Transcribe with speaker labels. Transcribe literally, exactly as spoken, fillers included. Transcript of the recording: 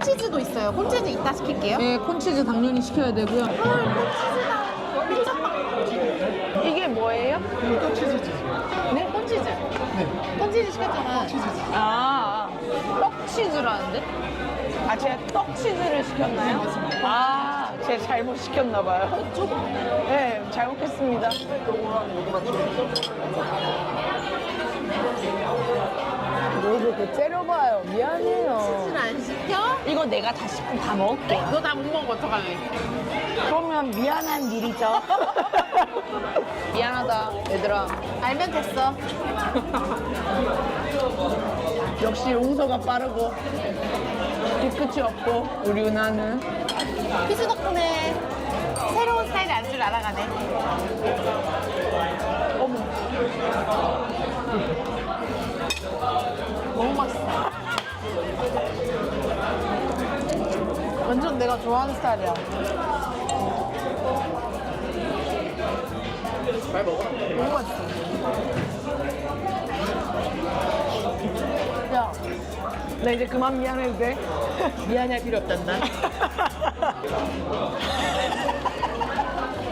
Speaker 1: 콘치즈도 있어요. 콘치즈 이따 시킬게요.
Speaker 2: 네, 콘치즈 당연히 시켜야 되고요.
Speaker 1: 헐, 콘치즈다. 미쳤다.
Speaker 2: 이게 뭐예요?
Speaker 3: 이거 치즈지.
Speaker 1: 네, 콘치즈.
Speaker 3: 네.
Speaker 1: 콘치즈 시켰잖아.
Speaker 3: 치즈지.
Speaker 2: 아, 떡치즈라는데? 아, 제가 떡치즈를 시켰나요? 아, 제가 잘못 시켰나봐요. 네, 잘못했습니다. 뭘 그렇게 째려봐요. 미안해요.
Speaker 1: 콘치즈는 안 시켜?
Speaker 2: 이거 내가 다 시, 다 먹을게.
Speaker 1: 너 다 못 먹어, 어떡하래.
Speaker 2: 그러면 미안한 일이죠. 미안하다, 얘들아.
Speaker 1: 알면 됐어.
Speaker 2: 역시 용서가 빠르고 뒤끝이 없고 우리 은하는
Speaker 1: 피스 덕분에 새로운 스타일의 안주를 알아가네.
Speaker 2: 어머
Speaker 1: 너무 맛있어. 완전 내가 좋아하는 스타일이야.
Speaker 3: 잘 먹어.
Speaker 1: 너무 맛있어. 야,
Speaker 2: 나 이제 그만 미안해도 돼?
Speaker 1: 미안할 필요 없단다.